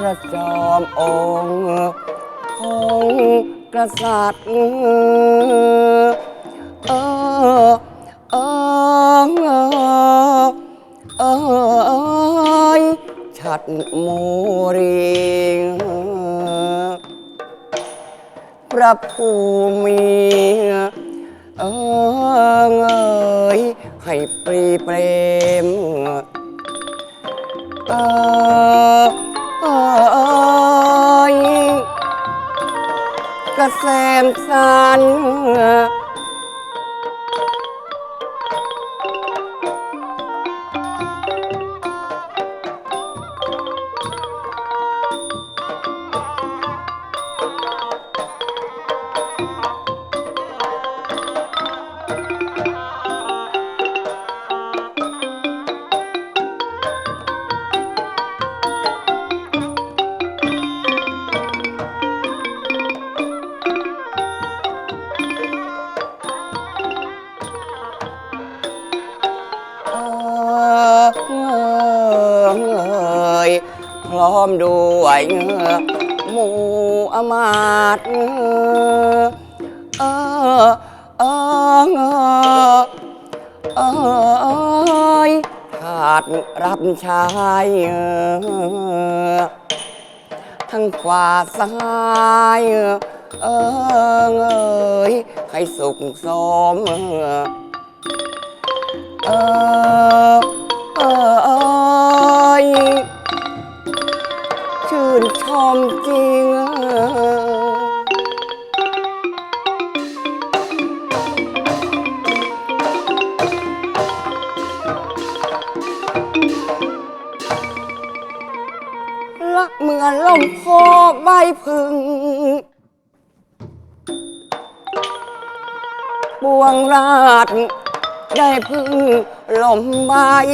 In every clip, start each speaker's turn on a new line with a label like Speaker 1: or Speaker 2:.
Speaker 1: ระจอมองค์ของกษัตริย์เออเออเออชัดโมรีพระภูมิเออให้ปรีเปรมเออเออกระแสมสันพร้อมด้วยหมู่อมาตย์เออเออเออทาสรับใช้ทั้งขวาซ้ายให้สุขสมเออชื่นชมจริงละเหมือนลมโพใบพึ่งบวงราชได้พึ่งลมใบ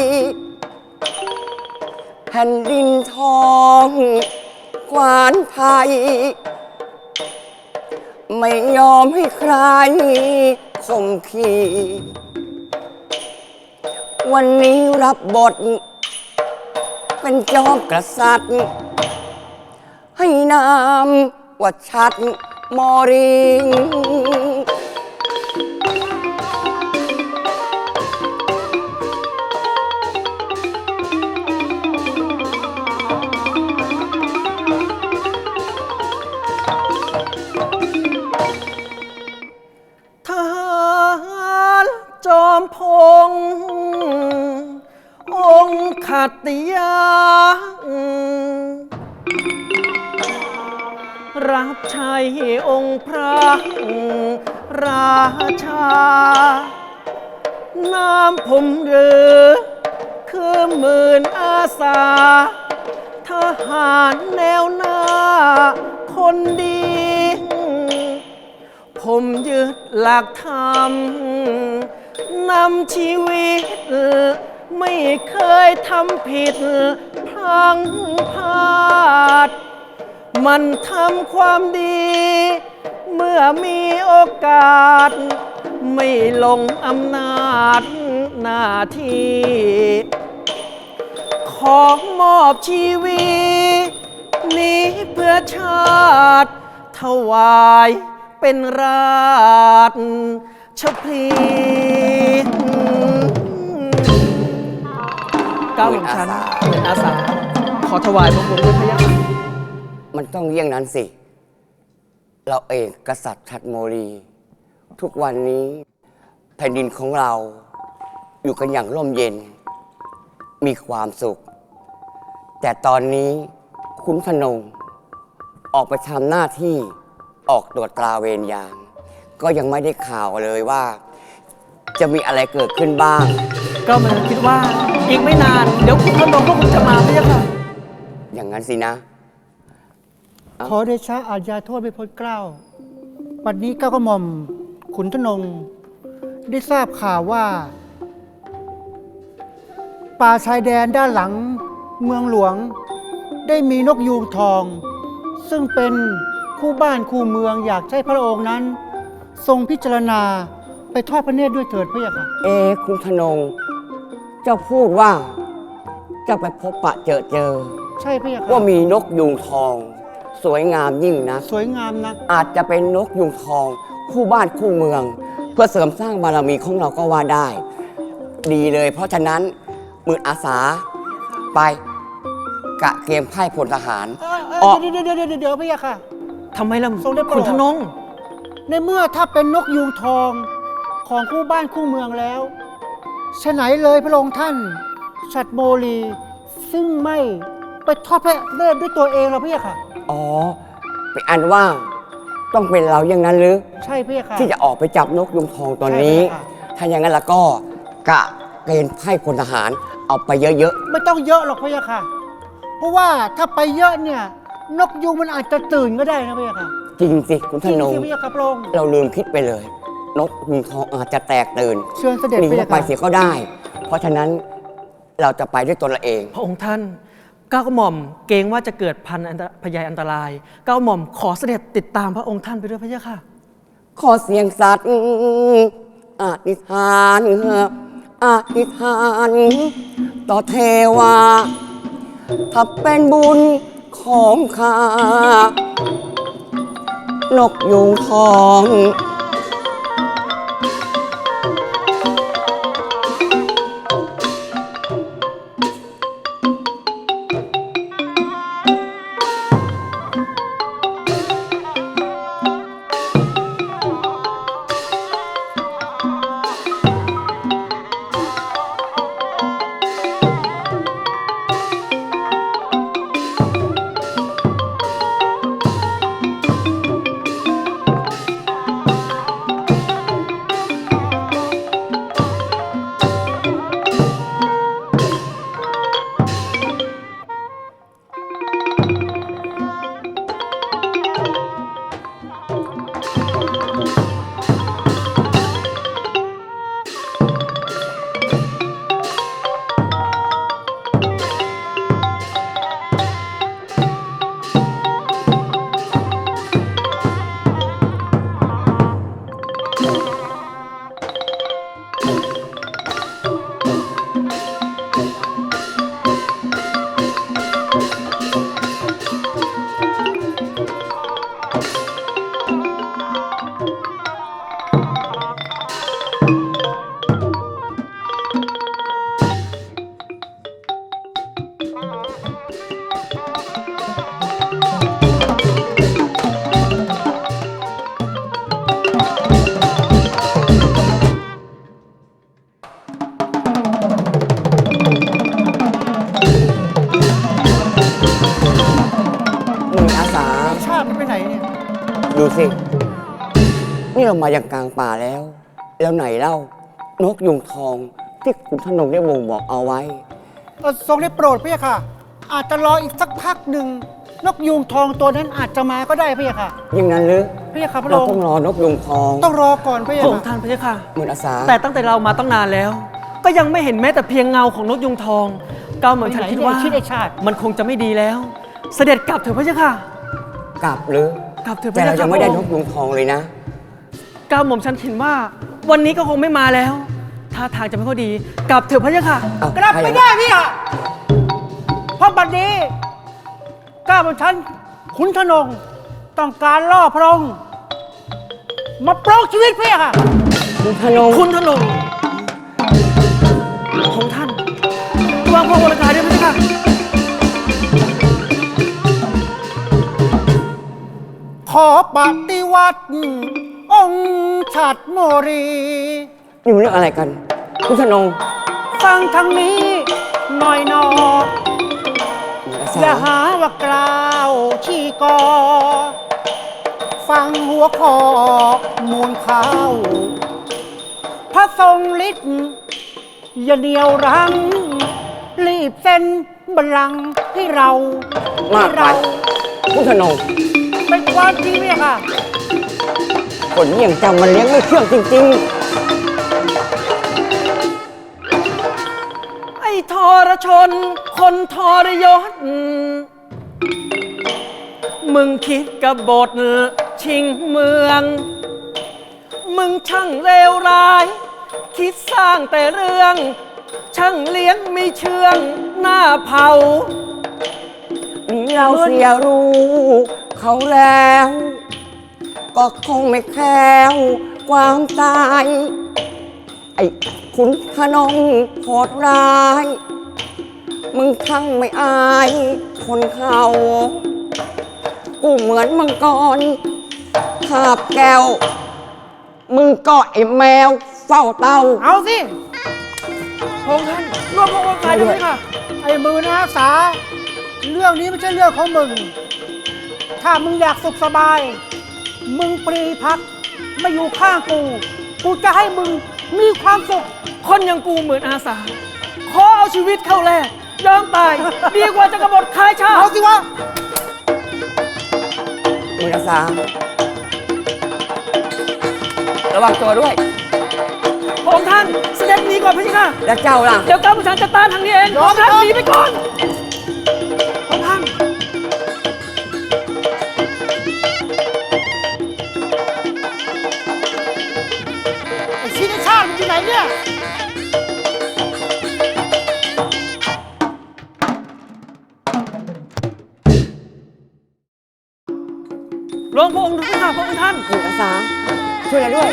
Speaker 1: แผ่นดินทองกวานไทยไม่ยอมให้ใครข่มขีวันนี้รับบทเป็นจอมกษัตริย์ให้นามว่าชัดมอริง
Speaker 2: จอมพงษ์องค์ขัตติยารับใช้องค์พระราชานามผมหรือคือหมื่นอาสาทหารแนวหน้าคนดีผมยึดหลักธรรมนำชีวิตไม่เคยทำผิดพลังพลาดมันทำความดีเมื่อมีโอกาสไม่ลงอำนาจหน้าที่ขอมอบชีวิตนี้เพื่อชาติถวายเป็นราชพลีก้าวของฉันเป็นอาสาขอถวายพระคุณด้วยพระยาค่ะ
Speaker 1: มันต้องเยี่ยงนั้นสิเราเองกษัตริย์ชัดโมรีทุกวันนี้แผ่นดินของเราอยู่กันอย่างร่มเย็นมีความสุขแต่ตอนนี้ขุนพนงออกไปทำหน้าที่ออกตรวจตราเวรยามก็ยังไม่ได้ข่าวเลยว่าจะมีอะไรเกิดขึ้นบ้าง
Speaker 2: ก็มันคิดว่าอีกไม่นานเดี๋ยวขุนพนงก็คงจะมาพระยาค่ะ
Speaker 1: อย่างนั้นสินะ
Speaker 3: ขอเดชะอาญาโทษไม่พ้นเกล้าวันนี้ก้าวกระหม่อมขุนธนงได้ทราบข่าวว่าป่าชายแดนด้านหลังเมืองหลวงได้มีนกยูงทอง ซึ่งเป็นคู่บ้านคู่เมืองอยากให้พระองค์นั้นทรงพิจารณาไปทอดพระเนตรด้วยเถิดพระยาค่ะ
Speaker 1: คุณพนงเจ้าพูดว่าเจ้าไปพบปะเจอ
Speaker 3: ใช่พี่ค่ะ
Speaker 1: ว่ามีนกยูงทอง สวยงามยิ่งนะ
Speaker 3: สวยงามนัก
Speaker 1: อาจจะเป็นนกยูงทอง คู่บ้านคู่เมือง เพื่อเสริมสร้างบารมีของเราก็ว่าได้ ดีเลย เพราะฉะนั้นมืออาสาไปกะเกมไพ่พลทหารออก
Speaker 3: เดี๋ยวพี่ค่ะ
Speaker 2: ทำไมล่ะ
Speaker 3: ทรงได้โปรด
Speaker 2: คุณธนง
Speaker 3: ในเมื่อถ้าเป็นนกยูงทองของคู่บ้านคู่เมืองแล้วฉะไหนเลยพระองค์ท่านฉัตรโมลี ซึ่งไม่ไปทอดพระเนตรด้วยตัวเองหรอพี่ค่ะ
Speaker 1: อ๋อเป็นอันว่าต้องเป็นเราอย่างนั้นหรือ
Speaker 3: ใช่พี่ค่ะ
Speaker 1: ที่จะออกไปจับนกยุงทองตัวนี้
Speaker 3: ใช่ค่ะ
Speaker 1: ถ้าอย่างนั้นแล้วก็กะเกณฑ์ไพ่พลทหารเอาไปเยอะ
Speaker 3: ไม่ต้องเยอะหรอกพี่ค่ะ เพราะว่าถ้าไปเยอะเนี่ยนกยูงมันอาจจะตื่นก็ได้นะพี่ค่ะ
Speaker 1: ๆ จริงสิคุณ
Speaker 3: จ
Speaker 1: ธ
Speaker 3: ริง
Speaker 1: นง
Speaker 3: สิพี่ค่ะพระองค์
Speaker 1: เราลืมคิดไปเลย นกยุงทองอาจจะแตกตื่น
Speaker 3: เชิญเสด็จ
Speaker 1: หนี
Speaker 3: พี่
Speaker 1: เข้าไป
Speaker 3: ค่ะ
Speaker 1: เสียก็ได้ เพราะฉะนั้นเราจะไปด้วยตัวเราเอง
Speaker 2: พระองค์ท่านก้าวกระหม่อมเกรงว่าจะเกิดพยอันตรายก้าวกระหม่อมขอเสด็จติดตามพระองค์ท่านไปด้วยพระเจ้าค่ะ
Speaker 1: ขอเสียงสัตว์อธิษฐานอธิษฐานต่อเทวา ถ้าเป็นบุญของข้านกยูงทอง มืออาสา
Speaker 3: ชาติมันไปไหนเนี่ย
Speaker 1: ดูสิ นี่เรามาอย่างกลางป่าแล้ว แล้วไหนเล่านกยุงทองที่คุณธนงได้บ่งบอกเอาไว้
Speaker 3: ทรงได้โปรดพี่ค่ะ อาจจะรออีกสักพักหนึ่งนกยูงทองตัวนั้นอาจจะมาก็ได้พี่ค่ะ
Speaker 1: อย่างนั้นหรือ
Speaker 3: พี่ค่ะพระ
Speaker 1: เรา
Speaker 3: อง
Speaker 1: ต้อง
Speaker 3: ค์
Speaker 1: รอนกยุงทอง
Speaker 3: ต้องรอก่อนพี่
Speaker 2: พระองค์
Speaker 3: ค่ะ
Speaker 2: ท่านพระเจ้าค่ะ
Speaker 1: มืออาสา
Speaker 2: แต่ตั้งแต่เรามาตั้งนานแล้ว ก็ยังไม่เห็นแม้แต่เพียงเงาของนกยุงทองก้าวหม่อมฉันคิดว่า
Speaker 3: ชิดไอชาติ
Speaker 2: มันคงจะไม่ดีแล้ว เสด็จกลับเถอะพระเจ้าค่ะ
Speaker 1: กลับหรือ
Speaker 2: กลับเถอะพ
Speaker 1: แต่
Speaker 2: ระเจ้า
Speaker 1: เรา
Speaker 2: ค่ะ
Speaker 1: ยังไม่ได้
Speaker 2: พระ
Speaker 1: น
Speaker 2: อง
Speaker 1: ก
Speaker 2: ค์
Speaker 1: ยุงทองเลยนะ
Speaker 2: ก้าวหม่อมฉันเห็นว่า วันนี้ก็คงไม่มาแล้วท่าทางจะไม่ค่อยดี กลับเถอะพระเจ้าค่ะ
Speaker 1: เอา
Speaker 3: กลับไม่ได้พี่ค่ะเพราะบัดนี้ก้าวของฉันขุนธนงต้องการล่อพระองค์มาปลงชีวิตพี่ค่ะ
Speaker 1: คุณธนง
Speaker 2: คุณทนงของท่านวางพระวรกายด้วยพระเจ้าค่ะ
Speaker 3: ขอปฏิวัติองค์ฉัตรโมรี
Speaker 1: อยู่เรื่องอะไรกัน คุณธนง
Speaker 3: ฟังทางนี้หน่อยหนอ
Speaker 1: มืออา
Speaker 3: อย่า
Speaker 1: สา
Speaker 3: หาว่ากล่าวชี้กอ ฟังหัวคอมูลข้าว พระทรงฤทธิ์อย่าเดียวรั้ง รีบเซ็นบัลลังก์ให้เรา
Speaker 1: มากไป คุณธนง
Speaker 3: เป็นความจริงเนี่ยค่ะ
Speaker 1: คนเยี่ยงเจ้ามันเลี้ยงไม่เชื่องจริง
Speaker 2: ไอ้ทรชน คนทรยศ มึงคิดกบฏชิงเมือง มึงช่างเลวร้าย คิดสร้างแต่เรื่อง ช่างเลี้ยงไม่เชื่องหน้าเผา
Speaker 1: นี่เราเสียรู้เขาแล้ว ก็คงไม่แคล้วความตาย ไอ้ขุนขนองโหดร้าย มึงทั้งไม่อายคนเขากูเหมือนมังกรคาบแก้ว มึงก็ไอ้แมวเฝ้าเต้า
Speaker 2: เอาสิพระองค์ท่านรวมพระองค์กายด้วยค่ะ
Speaker 3: ไอ้มือนะสา เรื่องนี้ไม่ใช่เรื่องของมึง ถ้ามึงอยากสุขสบาย มึงปรีพักมาอยู่ข้างกู กูจะให้มึงมีความสุข
Speaker 2: คนอย่างกูเหมือนอาสา ขอเอาชีวิตเข้าแลกยอมตาย ดีกว่าจะกบฏคายชาติ
Speaker 3: เอาสิวะ
Speaker 1: มือสามระวังตัวด้วย
Speaker 2: พระองค์ท่านเสด็จหนีก่อนพระเจ้าค่ะ
Speaker 1: แล้วเจ้าล่ะ
Speaker 2: เดี๋ยวก้าวผู้ชายจะตามทางนี้เองพระองค์ท่านหนีไปก่อนพระองค์ท่าน
Speaker 3: ไอ้ชิ้นไอ้ชาติมันอยู่ไหนเนี่ย
Speaker 2: ลงพระองค์ดูค่ะพระองค์ท่าน
Speaker 1: มือสามช่วยเราด้วย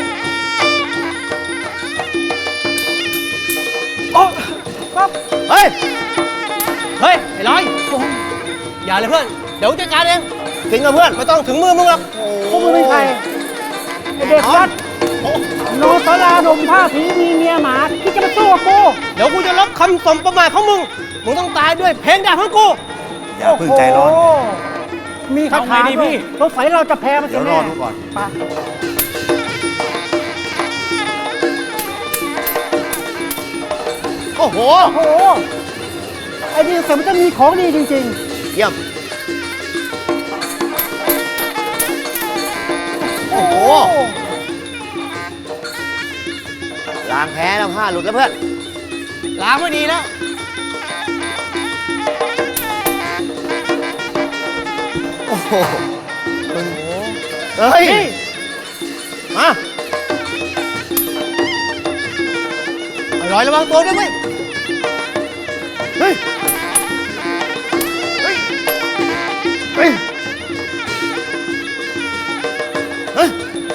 Speaker 2: โอ้
Speaker 4: เฮ้ย เฮ้ย ไอ้ร้อยอย่าเลยเพื่อน เดี๋ยวจัดการเองถึงกับเพื่อน ไม่ต้องถึงมือมึงหรอก
Speaker 3: พวกมึงเป็นใคร ไอ้เด็กวัดโนสลาดมผ้าผีมีเมียหมาที่จะมาสู้กับกู
Speaker 4: เดี๋ยวกูจะลบคำสมประมาทของมึง มึงต้องตายด้วยเพลงด่าของกู
Speaker 5: อย่าเพิ่งใจร้อน
Speaker 3: โโหมีคาถา
Speaker 2: เอาไงดีพี่
Speaker 3: สงสัยเราจะแพ้มัน
Speaker 5: เดี๋ยวร
Speaker 3: แน่
Speaker 5: อดูก่อน
Speaker 3: ไป
Speaker 4: โอ้โห
Speaker 3: โอ้โห ไอ้นี่แต่มันจะมีของดีจริง
Speaker 4: เยี่ยม
Speaker 3: ๆ
Speaker 4: โอ้โห ล้างแพ้แล้วผ้าหลุดแล้วเพื่อน ล้างไม่ดีแล้ว โอ้โหมึงเฮ้ย มาไอ้ร้อยระวังตัวด้วยเว้ยเฮ้ย เฮ้ย เฮ้ย เฮ้ย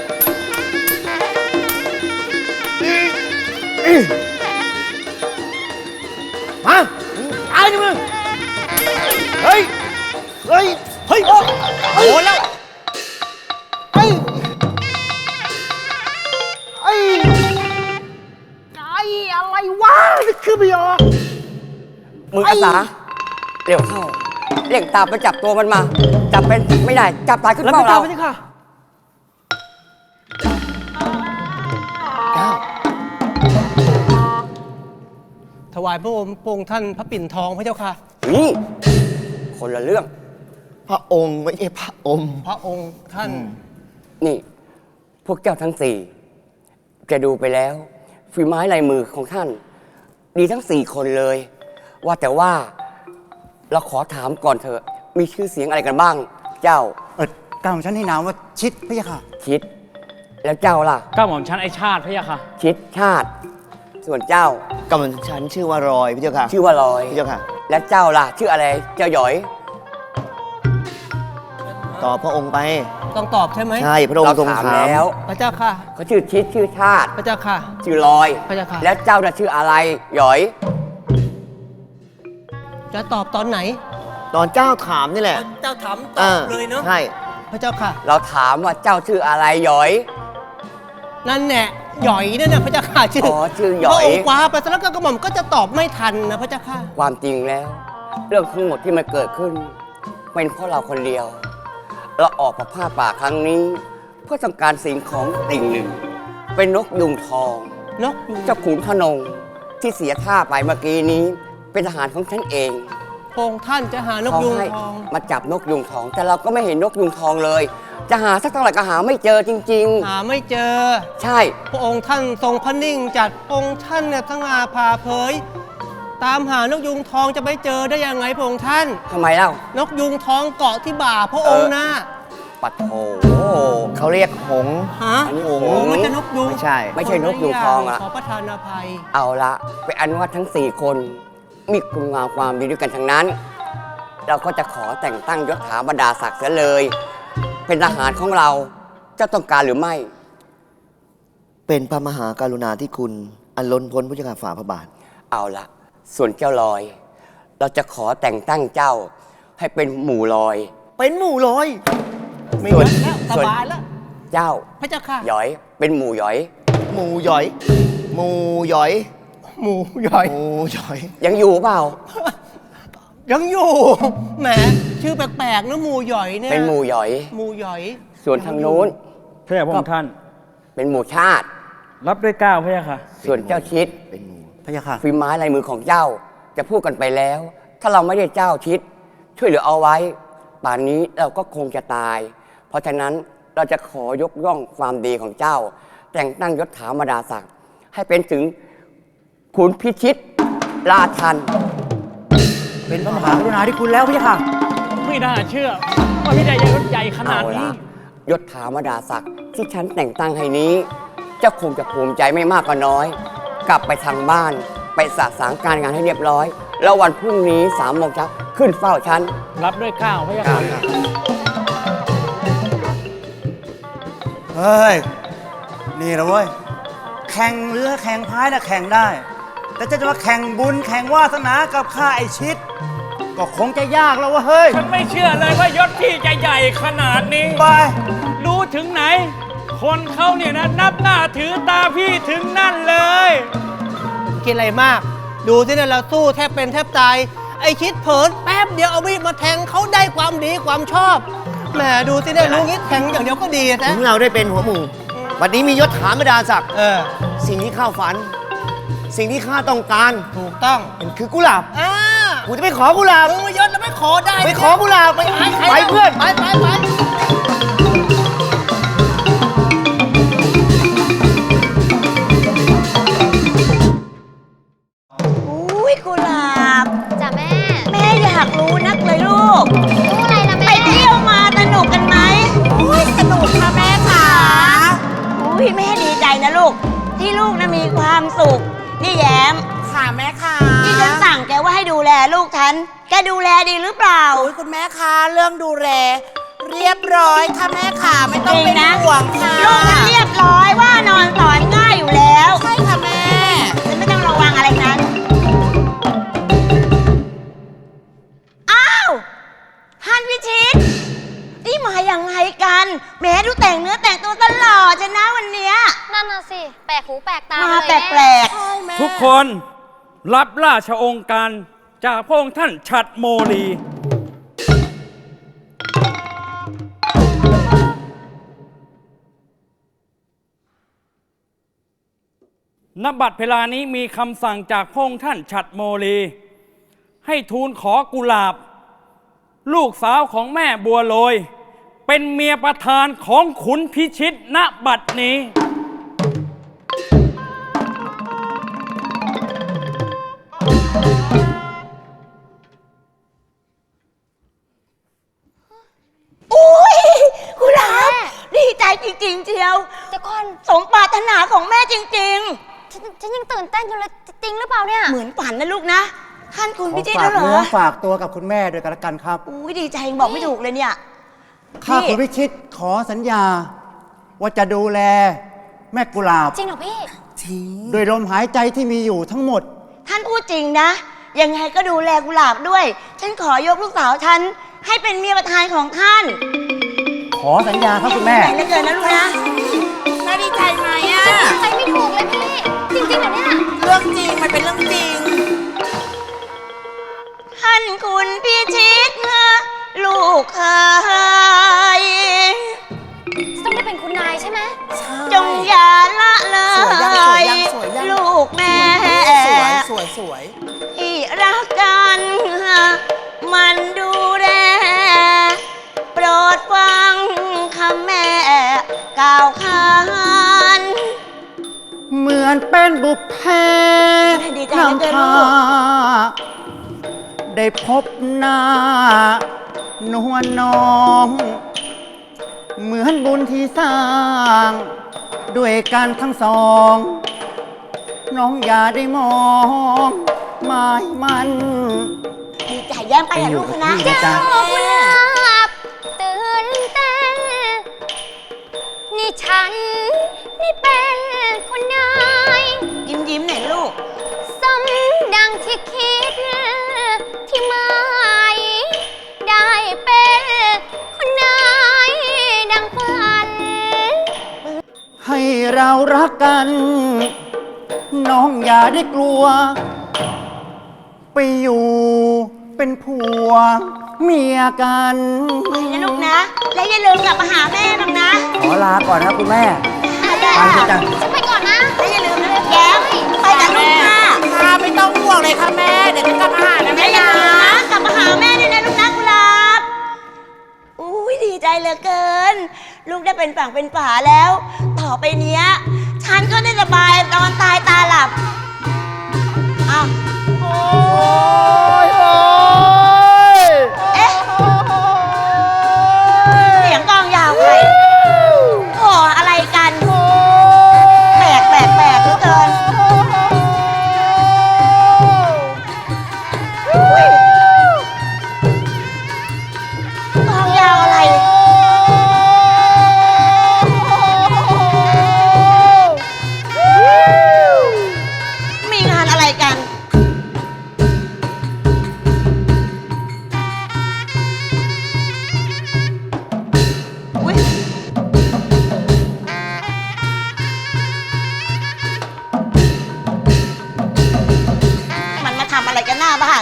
Speaker 4: มาตายดิมึง เฮ้ย เฮ้ย เฮ้ย โดนแล้ว
Speaker 3: ไอ้ไอ้อะไรวะนี่คือไม่ออก
Speaker 1: มืออาสาเร็วเข้าเร่งตามไปจับตัวมันมา จับเป็นไม่ได้ จับตายขึ้น
Speaker 2: แล้ว
Speaker 1: เป้า
Speaker 2: ไปตาม
Speaker 1: เรา
Speaker 2: พระเจ้าค่ะ
Speaker 4: ถวายพระองค์พระองค์ท่านพระปิ่นทองพระเจ้าค่ะ
Speaker 1: นี่คนละเรื่อง
Speaker 4: พระองค์ไม่ใช่พระอม พระองค์ท่าน
Speaker 1: นี่ พวกเจ้าทั้งสี่จะดูไปแล้วฝีไม้ลายมือของท่าน ดีทั้งสี่คนเลย ว่าแต่ว่าเราขอถามก่อนเถอะ มีชื่อเสียงอะไรกันบ้าง เจ้า
Speaker 5: ก้าวของฉันให้นามว่าชิดพะยะค่ะ
Speaker 1: คิด แล้วเจ้าล่ะ
Speaker 6: ก้าวหม่อมชั้นไอชาติพระยาค่ะ
Speaker 1: คิดชาติ ส่วนเจ้า
Speaker 7: กำลังฉันชื่อว่ารอยพี่เจ้าค่ะ
Speaker 1: ชื่อว่าลอย
Speaker 7: พี่เจ้าค่ะ
Speaker 1: และเจ้าล่ะ ชื่ออะไร เจ้าหยอย
Speaker 7: ต่อพระองค์ไป
Speaker 4: ต้องตอบใช่ไหม
Speaker 7: ใช่พระอง
Speaker 1: เรา
Speaker 7: ค์ทรง
Speaker 1: ถาม
Speaker 7: ถาม
Speaker 1: แล้ว
Speaker 4: พระเจ้าค่ะ
Speaker 1: เขาชื่อคิดชื่อชาติ
Speaker 4: พระเจ้าค่ะ
Speaker 1: ชื่อลอย
Speaker 4: พระเจ้าค่ะ
Speaker 1: และเจ้าน่ะชื่ออะไร หยอย
Speaker 4: จะตอบตอนไหน
Speaker 7: ตอนเจ้าถามนี่แหละ
Speaker 4: เจ้าถามต
Speaker 7: อ
Speaker 4: อบเลยเนาะ
Speaker 7: ใช่
Speaker 4: พระเจ้าค่ะ
Speaker 1: เราถามว่าเจ้าชื่ออะไรหยอย
Speaker 4: นั่นแหละหย่อยนั่นน่ะพระเจ้าค่ะชื่อ
Speaker 1: อ๋อชื่อหย่อย
Speaker 4: พระองค์คว้าไปแล้วก็กระหม่อมก็จะตอบไม่ทันนะพระเจ้าค่ะ
Speaker 1: ความจริงแล้ว เรื่องทั้งหมดที่มันเกิดขึ้น เป็นเพราะเราคนเดียว เราออกมาผ้าป่าครั้งนี้ เพื่อต้องการสิ่งของสิ่งหนึ่ง เป็นนกยุงทอง
Speaker 4: นกยูง
Speaker 1: เจ้าขุนพนงที่เสียท่าไปเมื่อกี้นี้ เป็นทหารของฉันเอง
Speaker 4: พระองค์ท่านจะหานก
Speaker 1: เขา
Speaker 4: ยูง
Speaker 1: ให้
Speaker 4: ทอง
Speaker 1: มาจับนกยุงทอง แต่เราก็ไม่เห็นนกยุงทองเลย จะหาสักเท่าไหร่ก็หาไม่เจอจริง
Speaker 4: หาไม่เจอ
Speaker 1: ๆ ใช่
Speaker 4: พระองค์ท่านทรงพระนิ่งจัดพระองค์ท่านเนี่ยทั้งอาผ่าเผย ตามหานกยูงทองจะไปเจอได้ยังไงพระองค์ท่าน
Speaker 1: ทำไมเล่า
Speaker 4: นกยูงทองเกาะที่บ่าพระองค์นะ
Speaker 1: ปัดโถ
Speaker 7: เขาเรียกหงส์
Speaker 4: ฮะ
Speaker 1: อันนี้
Speaker 4: โอ้
Speaker 1: หงส์
Speaker 4: มันจะนกยูง
Speaker 7: ไม่ใช่
Speaker 1: ไม่ใช่นกยูงทองอะ
Speaker 4: ขอประทานอภัย
Speaker 1: เอาละเป็นอันว่าทั้ง 4 คน มีคุณงามความดีด้วยกันทั้งนั้นเราก็จะขอแต่งตั้งยศถาบรรดาศักดิ์เสียเลย เป็นทหารของเราเจ้าต้องการหรือไม่
Speaker 7: เป็นพระมหากรุณาธิคุณ อันล้นพ้นพระเจ้าค่ะฝ่าพระบาท
Speaker 1: เอาละส่วนเจ้าลอย เราจะขอแต่งตั้งเจ้าให้เป็นหมู่ลอย
Speaker 7: เป็นหมู่ลอย
Speaker 2: ไม่
Speaker 1: ส่วน
Speaker 2: เยอะแล้วส
Speaker 1: ส่วน
Speaker 2: บายแล้ว
Speaker 1: เจ้า
Speaker 2: พระเจ้าค่ะ
Speaker 1: หยอยเป็นหมู่หยอย
Speaker 7: หมู่หยอย หมู่หยอย
Speaker 2: หมูใหญ่
Speaker 7: หมู่หยอย
Speaker 1: ยังอยู่เปล่า
Speaker 2: ยังอยู่แหมชื่อแปลกๆนะหมูหย่อยเนี่ย
Speaker 1: เป็นหมู่หยอย
Speaker 2: หมูหย่อย
Speaker 1: ส่วนทางนู้น
Speaker 6: พระยาพระองค์ท่าน
Speaker 1: เป็นหมู่ชาติ
Speaker 6: รับด้วยเกล้าพระยาค่ะ
Speaker 1: ส่วนเจ้าชิด
Speaker 7: เป็นหมู่
Speaker 5: พระยาค่ะ
Speaker 1: ฝีไม้ลายมือของเจ้าจะพูดกันไปแล้ว ถ้าเราไม่ได้เจ้าชิด ช่วยเหลือเอาไว้ ป่านนี้เราก็คงจะตาย เพราะฉะนั้นเราจะขอยกย่องความดีของเจ้า แต่งตั้งยศถาบรรดาศักดิ์ให้เป็นถึงขุนพิชิตราชัน
Speaker 5: เป็นพระมหากรุณาธิคุณแล้วพระยาค่ะ
Speaker 6: ไม่น่าเชื่อ ว่าพี่ใหญ่ยศใหญ่ขนา
Speaker 1: เอา
Speaker 6: ดนี้
Speaker 1: ละยศถาบรรดาศักดิ์ที่ฉันแต่งตั้งให้นี้ เจ้าคงจะภูมิใจไม่มากก็น้อย กลับไปทางบ้าน ไปสะสางการงานให้เรียบร้อย แล้ววันพรุ่งนี้3 โมงเช้าขึ้นเฝ้าฉัน
Speaker 6: รับด้วยเกล้าพระยาค่ะ
Speaker 5: เฮ้ย นี่นะเว้ย แข่งเรือแข่งพายนะแข่งได้ แต่จะมาแข่งบุญแข่งวาสนากับข้าไอชิด ก็คงจะยากแล้ววะเฮ้ย
Speaker 6: ฉันไม่เชื่อเลยว่ายศพี่จะใหญ่ขนาดนี้
Speaker 5: ไป
Speaker 6: รู้ถึงไหน คนเขาเนี่ยนะนับหน้าถือตาพี่ถึงนั่นเลย
Speaker 2: คิดอะไรมาก ดูสิเนี่ยเราสู้แทบเป็นแทบตาย ไอชิดเผินแป๊บเดียวเอามีดมาแทงเขาได้ความดีความชอบแหมดูสิเนี่ยรู้งี้แทงอย่างเดียวก็ดีนะ
Speaker 7: ถึงเราได้เป็นหัวหมู่ วันนี้มียศถาบรรดาศักดิ์ สิ่งที่ข้าฝัน สิ่งที่ข้าต้องการ
Speaker 2: ถูกต้อง
Speaker 7: มันคือกุหลาบ
Speaker 2: อ่า
Speaker 7: กูจะไปขอกุหลาบ
Speaker 2: มึงมายศแล้วไม่ขอได้
Speaker 7: ไปขอกุหลาบไป
Speaker 2: ใคร
Speaker 7: ไปเพื่อน
Speaker 2: ไปไปไป
Speaker 8: อุ้ยกุหลาบ
Speaker 9: จ้ะแม่
Speaker 8: แม่อยากรู้นักเลยลูก
Speaker 9: รู้อะไรล่ะ
Speaker 8: ไป
Speaker 9: แม่
Speaker 8: เที่ยวมาสนุกกันไหมอุ้ยสนุกค่ะแม่ค่ะอุ้ยแม่ดีใจนะลูก ที่ลูกนะมีความสุข นี่แย้ม
Speaker 10: ค่ะแม่ค่ะ
Speaker 8: ที่ฉันสั่งแกว่าให้ดูแลลูกฉัน แกดูแลดีหรือเปล่า
Speaker 10: โอ้ยคุณแม่ค่ะเรื่องดูแลเรียบร้อยค่ะแม่ค่ะไม่ต้องเป็น
Speaker 8: จริงนะ
Speaker 10: ห่วงค่ะ
Speaker 8: ลูกฉันเรียบร้อยว่านอนสอนง่ายอยู่แล้ว
Speaker 10: ใช่ค่ะแม่
Speaker 8: ฉันไม่ต้องระวังอะไรนั้น อ้าวฮันวิชิต นี่มาอย่างไงกันแหม้ดูแต่งเนื้อแต่งตัวตลอดจะนะวันเนี้ย
Speaker 9: นั่นน่ะสิ แปลกหูแปลกตา
Speaker 8: มา
Speaker 9: เลย
Speaker 8: แป
Speaker 9: แม่
Speaker 8: ลก
Speaker 10: ใช่แม่
Speaker 6: ทุกคนรับราชองค์การจากพระองค์ท่านฉัตรโมลีณ บัดเวลานี้มีคำสั่งจากพระองค์ท่านฉัตรโมลี ให้ทูลขอกุหลาบ ลูกสาวของแม่บัวลอย เป็นเมียประธานของขุนพิชิตณบัดนี้
Speaker 8: ๆอุ้ยกุหลาบดีใจจริงๆเชียว
Speaker 9: เดี๋ยวก่อน
Speaker 8: สมปรารถนาของแม่จริง
Speaker 9: ฉันยังตื่นเต้นอยู่เลย จริงหรือเปล่าเนี่ย
Speaker 8: ๆ เหมือนฝันนะลูกนะ ท่านคุณ
Speaker 3: ขอ
Speaker 8: พิชิต
Speaker 3: ฝา
Speaker 8: แล้
Speaker 3: ก
Speaker 8: วเหร
Speaker 3: เนื้
Speaker 8: อ
Speaker 3: อฝากตัวกับคุณแม่ด้วยกันละกันครับ
Speaker 8: อุ้ยดีใจยังบอกไม่ถูกเลยเนี่ย
Speaker 3: ข้าคุณพิชิตขอสัญญา ว่าจะดูแลแม่กุหลาบ
Speaker 9: จริงเหรอพี่
Speaker 3: โดยลมหายใจที่มีอยู่ทั้งหมด
Speaker 8: ท่านพูดจริงนะ ยังไงก็ดูแลกุหลาบด้วย ฉันขอยกลูกสาวฉันให้เป็นเมียประธานของท่าน
Speaker 3: ขอสัญญาครับคุณแม่
Speaker 8: ไหนเหลือเกินนะลูกนะ
Speaker 10: แม่ดีใจไหมอะ
Speaker 9: ใจไม่ถูกเลยพี่ จริงๆเหรอเนี่ย
Speaker 10: เรื่องจริงมันเป็นเรื่องจริง
Speaker 8: ท่านคุณพิชิตลูกเคย
Speaker 9: ต้องได้เป็นคุณนายใช่ไหม
Speaker 8: จงอย่าละเล
Speaker 10: สวยยังสวย
Speaker 8: ย
Speaker 10: ยังสวยยัง
Speaker 8: ลูกแม่
Speaker 10: สวยสวยสวย
Speaker 8: ที่รักกันมันดูแลโปรดฟังคำแม่กล่าวขาน
Speaker 3: เหมือนเป็นบุพเพ
Speaker 8: ดีใจเหลือเกินลูก
Speaker 3: ได้พบหน้านวลน้องเหมือนบุญที่สร้าง ด้วยกันทั้งสอง น้องอย่าได้มองหมายมัน
Speaker 8: ดีใจแย้มไปกับลูกนะ
Speaker 9: เจ้ากุหลาบตื่นเต้นนี่ฉันนี่เป็นคุณนาย
Speaker 8: ยิ้มหน่อยลูก
Speaker 9: สมดังที่คิดที่หมายได้เป็นคุณนายดังฝัน
Speaker 5: ให้เรารักกัน น้องอย่าได้กลัว ไปอยู่เป็นผัวเมียกัน
Speaker 8: ไปนะลูกนะ และอย่าลืมกลับมาหาแม่บ้างนะ
Speaker 5: ขอลาก่อนนะคุณแม่
Speaker 8: ได้
Speaker 5: ไปเถอะจ้ะ
Speaker 9: ฉันไปก่อนนะ
Speaker 8: และอย่าลืมนะแย้มไปกับลูกนะ
Speaker 10: ค่ะไม่ต้องห่วงเลยค่ะแม่ เดี๋ยวจะกลับมาหานะ
Speaker 8: แม่
Speaker 10: แม่
Speaker 8: อย่า
Speaker 10: นะ
Speaker 8: ลืมนะกลับมาหาแม่ด้วยนะลูกนะกุหลาบอุ้ยดีใจเหลือเกิน ลูกได้เป็นฝั่งเป็นฝาแล้ว ต่อไปเนี้ย ฉันก็ได้สบายนอนตายตาหลับอ้าวเอ๊ะเสียงกลองยาวใครโอ้อะไรกันแปลกเหลือเกินอุ๊ยกลองยาวอะไร มีงานอะไรกัน อุ๊ย มันมาทำอะไรกันหน้าบ้าน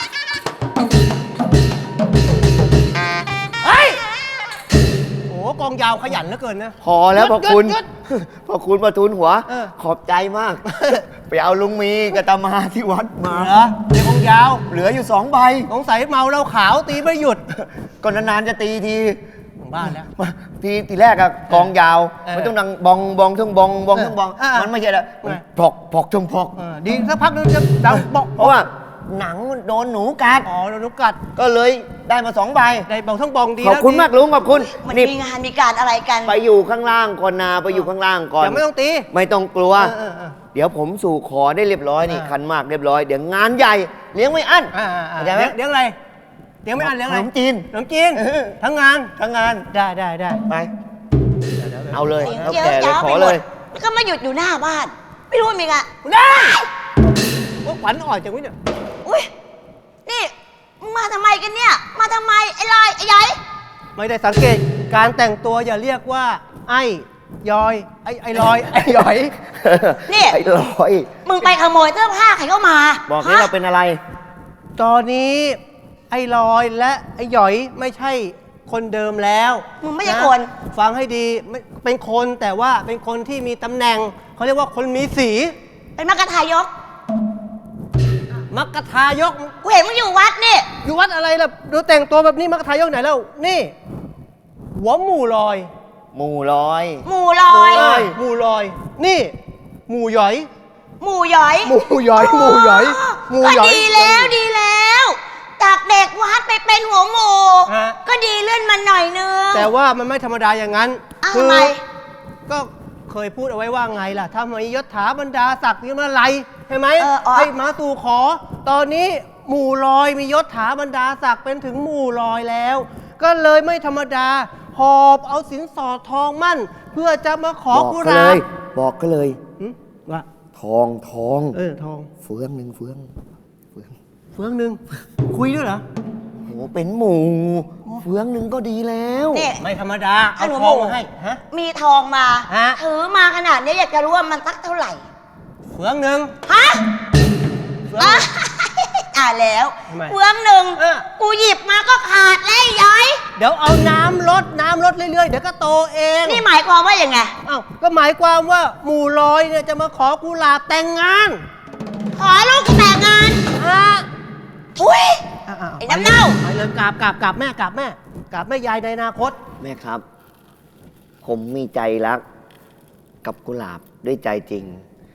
Speaker 2: โอ้กองยาวขยันเหลือเกินนะ
Speaker 7: พอแล้วพอคุณ
Speaker 2: หยุด
Speaker 7: พอคุณประทุนหัว
Speaker 2: เออ
Speaker 7: ขอบใจมาก ไปเอาลุงมีกับตามาที่วัดมา
Speaker 2: เหรอเด็กกองยาว
Speaker 7: เหลืออยู่2 ใบ
Speaker 2: สงสัยเมาเหล้าขาวตีไม่หยุด
Speaker 7: ก็นานๆจะตีที
Speaker 2: ถึงบ้านแล้ว
Speaker 7: ทีแรกอะกองยาว
Speaker 2: เออ
Speaker 7: มันต้องดังบองบองทุ่งบองบองทุ่งบอง
Speaker 2: เออ
Speaker 7: มันไม่ใช่ละมัน
Speaker 2: ไง
Speaker 7: พอกพอกทุ่งพอก
Speaker 2: ดีสักพักนึงจะดังบอก
Speaker 7: เพราะว่าหนังมันโดนหนูกัด
Speaker 2: อ๋อโดนนกกัด
Speaker 7: ก็เลยได้มา2 ใบ
Speaker 2: ได้บอกทั้งบองดี
Speaker 7: ขอบคุณ
Speaker 2: ดี
Speaker 7: มากลุงขอบคุณ
Speaker 8: มัน
Speaker 7: นี่
Speaker 8: มีงานมีการอะไรกัน
Speaker 7: ไปอยู่ข้างล่างก่อนนาไปอยู่ข้างล่างก่อน
Speaker 2: ยังไม่ต้องตี
Speaker 7: ไม่ต้องกลัว
Speaker 2: เออ
Speaker 7: เดี๋ยวผมสู่ขอได้เรียบร้อยนี่
Speaker 2: อ่า
Speaker 7: คันมากเรียบร้อยเดี๋ยวงานใหญ่เลี้ยงไม่อั้น เข้าใจไหม
Speaker 2: เลี้ยงอะไรเลี้ยงไม่อันเลี้ยงอะไร
Speaker 7: ขนมจีน
Speaker 2: ขนมจีน
Speaker 7: เออ
Speaker 2: ทั้งงาน
Speaker 7: ทั้งงาน
Speaker 2: ได้
Speaker 7: ไป เอาเลย
Speaker 8: เสียง
Speaker 7: แล้ว
Speaker 8: เจี๊ยว
Speaker 7: แก่เลย
Speaker 8: จ้าว
Speaker 7: ข
Speaker 8: ไป
Speaker 7: อ
Speaker 8: หม
Speaker 7: เล
Speaker 8: ด
Speaker 7: ย
Speaker 8: แล้วก็มาหยุดอยู่หน้าบ้าน ไม่รู้ว่ามีงาน
Speaker 2: ได้ว่าขวัญอ่อนจังวะเนี่ย
Speaker 8: อุ้ยนี่มึงมาทำไมกันเนี่ย มาทำไมไอ้ลอยไอ้ย้อย
Speaker 2: ไม่ได้สังเกตการแต่งตัวอย่าเรียกว่า ไอ้ยอยไอ้ลอยไอ้หยอย
Speaker 8: นี่
Speaker 7: ไอ้ร้อย
Speaker 8: มึงไปขโมยเสื้อผ้าใครเข้ามา
Speaker 7: บอกให้
Speaker 8: ฮะ
Speaker 7: เราเป็นอะไร
Speaker 2: ตอนนี้ไอ้ลอยและไอ้หยอยไม่ใช่คนเดิมแล้ว
Speaker 8: มึงไม่ใช่
Speaker 2: ะ
Speaker 8: คน
Speaker 2: ฟังให้ดีไม่เป็นคนแต่ว่าเป็นคนที่มีตำแหน่งเขาเรียกว่าคนมีสี
Speaker 8: เป็นมกทายก
Speaker 2: มักกะทายก
Speaker 8: กูเห็นมึงอยู่วัดนี่
Speaker 2: อยู่วัดอะไรล่ะดูแต่งตัวแบบนี้มักกะทายกไหนแล้วนี่ หัวหมู่ลอย
Speaker 7: หมู่ร้อย
Speaker 8: หมู่ลอย
Speaker 2: หมู่ลอย นี่ หมู่หยอย
Speaker 8: หมู่ย้อย
Speaker 2: หมู่หยอยหมู่หยอยหมู่
Speaker 8: ก็
Speaker 2: หยอย
Speaker 8: ดีแล้ว จากเด็กวัดไปเป็นหัวหมู่
Speaker 2: ฮะ
Speaker 8: ก็ดีเลื่อนมาหน่อยนึง
Speaker 2: แต่ว่ามันไม่ธรรมดาอย่างนั้น
Speaker 8: อ้าว
Speaker 2: คื
Speaker 8: ทำไม
Speaker 2: ก็เคยพูดเอาไว้ว่าไงล่ะถ้ามียศถาบรรดาศักดิ์นี่มาไรใช่ไหม ให้มาสู่ขอ ตอนนี้หมู่ลอยมียศถาบรรดาศักดิ์เป็นถึงหมู่ลอยแล้ว ก็เลยไม่ธรรมดาหอบเอาสินสอดทองมั่น เพื่อจะมาขอ
Speaker 7: บอก
Speaker 2: กุ
Speaker 7: ก็
Speaker 2: ห
Speaker 7: เล
Speaker 2: ลาบ
Speaker 7: ย บอกก็เลย
Speaker 2: หึว่า
Speaker 7: ทองทอง
Speaker 2: ทอง
Speaker 7: เฟืองหนึ่งเฟือง
Speaker 2: เฟืองหนึ่งคุยด้วยเหรอ
Speaker 7: โหเป็นหมู่เฟืองหนึ่งก็ดีแล้ว
Speaker 8: นี่
Speaker 2: ไม่ธรรมดา เอา
Speaker 8: หนู
Speaker 2: ทอง
Speaker 8: หมู่
Speaker 2: มาให้ฮะ
Speaker 8: มีทองมา
Speaker 2: ฮะ
Speaker 8: ถือมาขนาดนี้อยากจะรู้ว่ามันสักเท่าไหร่
Speaker 2: เฟืองหนึ่ง
Speaker 8: ฮะ
Speaker 2: เฟืองหนึ่ง
Speaker 8: แล้ว
Speaker 2: ทำไม
Speaker 8: เฟืองหนึ่ง
Speaker 2: เออ
Speaker 8: กูหยิบมาก็ขาดแล้วไอ้ย้อย
Speaker 2: เดี๋ยวเอาน้ำลดเรื่อยๆ เดี๋ยวก็โตเอง
Speaker 8: นี่หมายความว่าอย่างไง
Speaker 2: เอ้าก็หมายความว่าหมู่ลอยเนี่ยจะมาขอกุหลาบแต่งงาน
Speaker 8: ขอลูกกูแต่งงาน
Speaker 2: ฮะ
Speaker 8: ทุย
Speaker 2: อ่ะ
Speaker 8: ไอ้น้ำเน่า
Speaker 2: ไปเลยกราบแม่กราบแม่ยายในอนาคต
Speaker 7: แม่ครับ ผมมีใจรักกับกุหลาบด้วยใจจริง